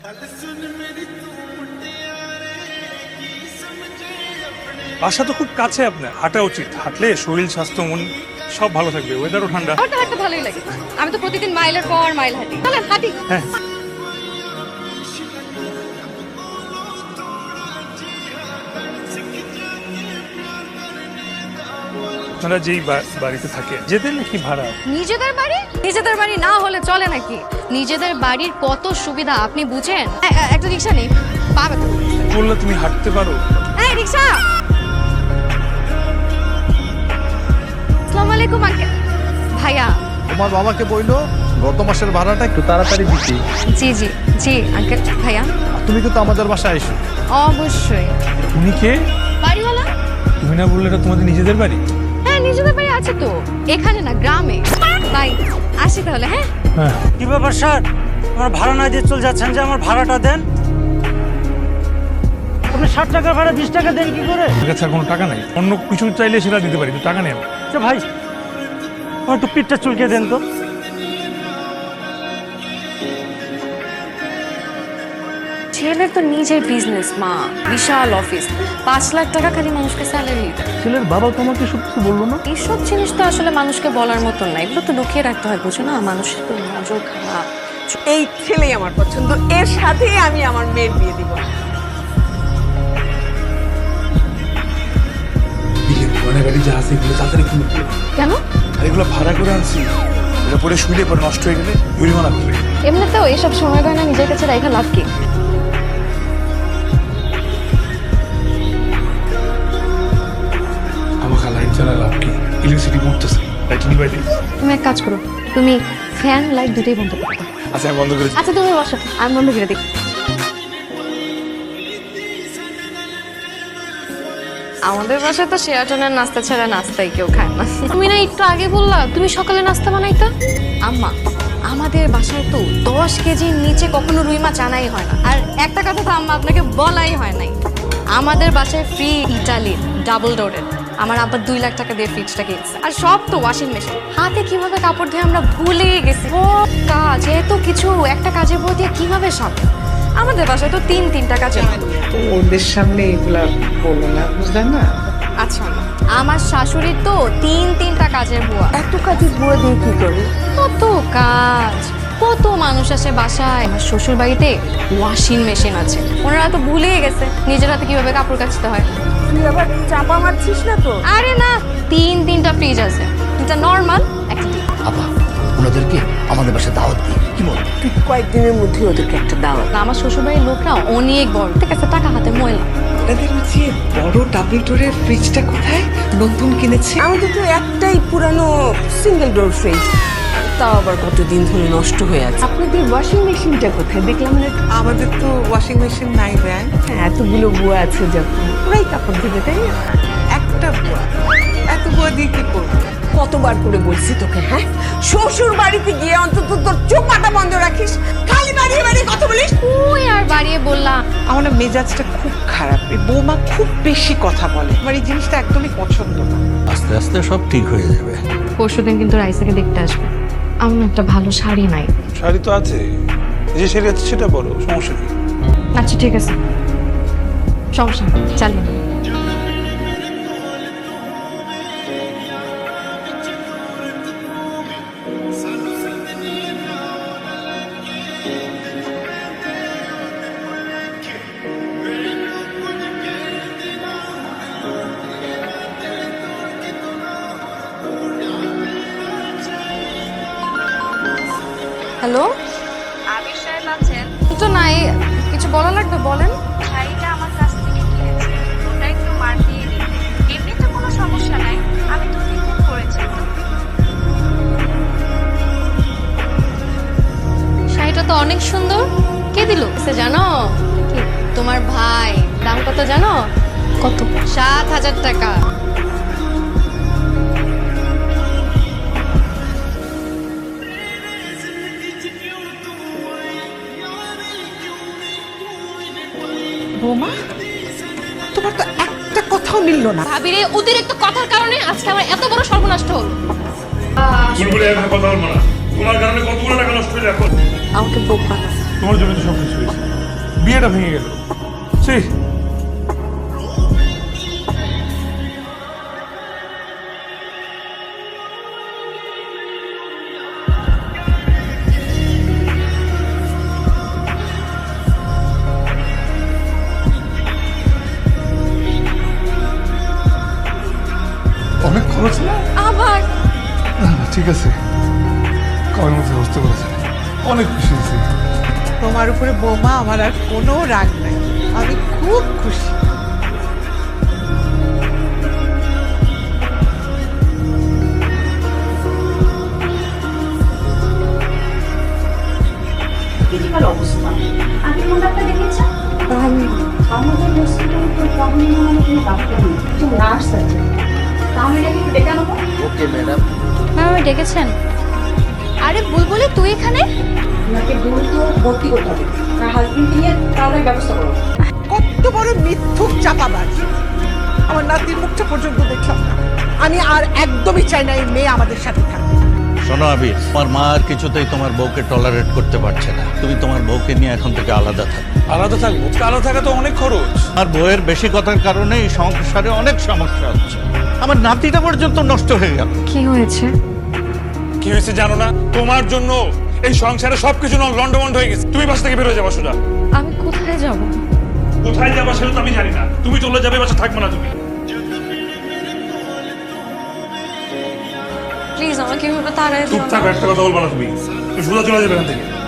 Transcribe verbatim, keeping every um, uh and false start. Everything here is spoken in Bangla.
বাসা তো খুব কাছে আপনার, হাঁটা উচিত। হাঁটলে শরীর স্বাস্থ্য মন সব ভালো থাকবে, ওয়েদারও ঠান্ডা। হাঁটতে হাঁটতে ভালোই লাগে, আমি তো প্রতিদিন মাইলের পর মাইল হাঁটি। চলেন হাঁটি। হ্যাঁ, আপনারা যেই বা- বাড়িতে থাকে যেতেন নাকি ভাড়া? নিজেদের বাড়ি? নিজেদের বাড়ি না হলে চলে নাকি? নিজেদের বাড়ির কত সুবিধা আপনি বুঝেন? এ- এ- একটা রিক্সা নেই, পা ব্যথা করতেছে। বললে তুমি হাঁটতে পারো। এই রিক্সা! আসসালামু আলাইকুম আঙ্কেল। ভাইয়া। তোমার বাবাকে বইলো গত মাসের ভাড়াটা একটু তাড়াতাড়ি দিতে। জি জি জি আঙ্কেল। ভাইয়া তুমি কিন্তু আমাদের বাসায় এসো। অবশ্যই। তুমি কে? বাড়িওয়ালা? তুমি না বললে এটা তোমাদের নিজেদের বাড়ি? হ্যাঁ নিজেদের বাড়ি আছে তো, এখানে না গ্রামে। বাই, আসি তাহলে। হ্যাঁ হ্যাঁ। কি ব্যাপার স্যার, আমার ভাড়া না দিয়ে চলে যাচ্ছেন যে? আমার ভাড়াটা দেন। আপনি ষাট টাকা ভাড়া বিশ টাকা দেন কি করে? আমার কাছে আর কোনো টাকা নাই, অন্য কিছু চাইলে সেটা দিতে পারি, কিন্তু টাকা নেই আমার। আচ্ছা ভাই, আমার একটু পিঠটা চুলকে দেন তো। ছেলের তো নিজের বিজনেস, মা বিশাল অফিস, পাঁচ লাখ টাকা খালি মানুষকে স্যালারি। ছেলের বাবা তোমাকে সব কিছু বললো না? এইসব জিনিস তো আসলে মানুষকে বলার মতন না, এগুলো তো লুকিয়ে রাখতে হয়, বুঝো না? মানুষের তো নজর খারাপ। এই ছেলেই আমার পছন্দ, এর সাথেই আমি আমার মেয়ের বিয়ে দিব। পুরানো গাড়ি যা আছে এগুলো তাড়াতাড়ি কিনে দিও। কেন? আর এগুলো ভাড়া করে আনছি, এটা পরে শুইলে পরে নষ্ট হয়ে গেলে জরিমানা করবে। এমনিতেও এসব সময় গয়না নিজের কাছে রাখা লাভ কি? আমাকে লাইট জ্বালা লাভ কি? ইলেকট্রিসিটি মরতেছে, লাইট নিবাই দিই। তুমি এক কাজ করো, তুমি ফ্যান লাইট দুটোই বন্ধ করো। আচ্ছা আমি বন্ধ করেছি। আচ্ছা তুমি বসো, আমি বন্ধ করে দিই। আমাদের বাসায় তো শেয়াটনের নাস্তা ছাড়া নাস্তাই কেউ খায় না। তুমি না একটু আগে বললা তুমি সকালে নাস্তা বানাইতা? আম্মা, আমাদের বাসায় তো দশ কেজির নিচে কখনো রুই মাছ আনাই হয় না। আর একটা কথা তো আম্মা আপনাকে বলাই হয় নাই, আমাদের বাসায় ফ্রি ইটালি ডাবল ডোরের। আমার আব্বা দুই লাখ টাকা দিয়ে ফ্রিজটা কিনছে, আর সব তো ওয়াশিং মেশিন। হাতে কিভাবে কাপড় ধুয়ে আমরা ভুলেই গেছি। ও কাজ, এত কিছু একটা কাজের বই দিয়ে কিভাবে সামনে? আমাদের বাসায় তো তিন তিনটা কাজের হয়। ওদের সামনে এগুলা বলো না, বুঝলেন না? আচ্ছা আম্মা, আমার শাশুড়ির তো তিন তিনটা কাজের বুয়া। এত কাজের বুয়া দিয়ে কি করে? কত কাজ, কত মানুষ আসে বাসায়। আমার শ্বশুর বাড়িতে ওয়াশিং মেশিন আছে, ওনারা তো ভুলেই গেছে নিজের হাতে কিভাবে কাপড় কাচতে হয়। তুই আবার চাপা মারছিস না তো? আরে না, তিন তিনটা ফ্রিজ আছে, দুটা নর্মাল একটা ডিপ। আপা ওনাদেরকে আমাদের বাসায় দাওয়াত দিই, কি বল? তুই কয়েকদিনের মধ্যে ওদেরকে একটা দাওয়াত। আমার শ্বশুর বাড়ির লোকরা অনেক বড়, ঠিক আছে, টাকা হাতে ময়লা। আপনাদের হচ্ছে বড় ডাবল ডোরের ফ্রিজটা কোথায়? নতুন কিনেছে? আমাদের তো একটাই পুরানো সিঙ্গেল ডোর ফ্রিজ, তাও আবার কতদিন ধরে নষ্ট হয়ে আছে। আপনাদের ওয়াশিং মেশিনটা কোথায়? দেখলাম না। আমাদের তো ওয়াশিং মেশিন নাই ব্যাং। হ্যাঁ, এতগুলো বুয়া আছে যখন ওরাই কাপড় ধুবে, তাই না? একটা বুয়া, এত বুয়া দিয়ে কি করবো? কতবার করে বলছি তোকে, হ্যাঁ, শ্বশুর বাড়িতে গিয়ে অন্তত তোর চোপাটা বন্ধ রাখিস, খালি বাড়িয়ে বাড়িয়ে কথা বলিস। ওই আর বাড়িয়ে বললাম। আমার না মেজাজটা খুব খারাপ, এই বৌমা খুব বেশি কথা বলে, আমার এই জিনিসটা একদমই পছন্দ না। আস্তে আস্তে সব ঠিক হয়ে যাবে। পরশুদিন কিন্তু রাইসাকে দেখতে আসবে। আমার না একটা ভালো শাড়ি নাই। শাড়ি তো আছে, যে শাড়ি আছে সেটা বড়, সমস্যা নেই। আচ্ছা ঠিক আছে, সমস্যা নেই, চালিয়ে নাও। হ্যালো, আবির সাহেব আছেন? তো নাই, কিছু বলা লাগবে বলেন। শাড়িটা আমার কাছ থেকে কিনেছে, ওটা একটু মার দিয়ে দিন। এমনিতে কোনো সমস্যা নাই, আমি দু তিন দিন পরেছি। শাড়িটা তো অনেক সুন্দর, কে দিল সে জানো? কি তোমার ভাই? দাম কত জানো? কত? সাত হাজার টাকা। বৌমা, তোমার তো একটা কথাও মিলল না। ভাবিরে অতিরিক্ত কথার কারণে আজকে আমার এত বড় সর্বনষ্ট হলো। বুলবুলি এখন কথা বলবো না, তোমার কারণে কতগুলো টাকা নষ্ট হয়ে এখন। আমাকে বোকা। তোমার জন্য তো সব কিছু হয়েছে। বিয়েটা ভেঙে গেল। সেই অনেক খরচ না? আবার না, না, ঠিক আছে, কমের মধ্যে বুঝতে পেরেছি, অনেক খুশি হয়েছি। তোমার উপরে বৌমা আমার আর কোনো রাগ নাই, আমি খুব খুশি। দিদিমার অবস্থা আগে মোটাটা দেখেছেন আমাদের হসপিটালে তো তখন মানে কোনো ডাক্তার নেই, একটু নার্স আছে, তাহলে একটু ডেকে আনবো। Okay madam. ম্যাম ডেকেছেন? আরে বুলবুলি তুই এখানে? ওনাকে দ্রুত ভর্তি করতে হবে, তার হাজবেন্ড নিয়ে তাহলে ব্যবস্থা করো। কত বড় মিথ্যুক চাপাবাজ! আমার নাতির মুখটা পর্যন্ত দেখলাম না। আমি আর একদমই চাই না এই মেয়ে আমাদের সাথে থাকবে। শোনো আবির, তোমার মা আর কিছুতেই তোমার বউকে টলারেট করতে পারছে না। তুমি তোমার বউকে নিয়ে এখন থেকে আলাদা থাকো। আলাদা থাকবো? আলাদা থাকা তো অনেক খরচ। আর বউয়ের বেশি কথার কারণে এই সংসারে অনেক সমস্যা হচ্ছে। আমার নাতিটা পর্যন্ত নষ্ট হয়ে গেল। কি হয়েছে? কি হয়েছে জানো না? তোমার জন্য এই সংসারে সবকিছু লন্ডমন্ড হয়ে গেছে। তুমি বাসা থেকে বেরোয় যাবা সোজা। আমি কোথায় যাব? কোথায় যাবা সেটা তো আমি জানি না। তুমি চলে যাবে, বাসা থাকবে না তুমি। প্লিজ আমাকে এভাবে তাড়াই দিও চুপ না। থাকো, একটা কথা বলবা না তুমি। তুমি সোজা চলে যাবে এখান থেকে।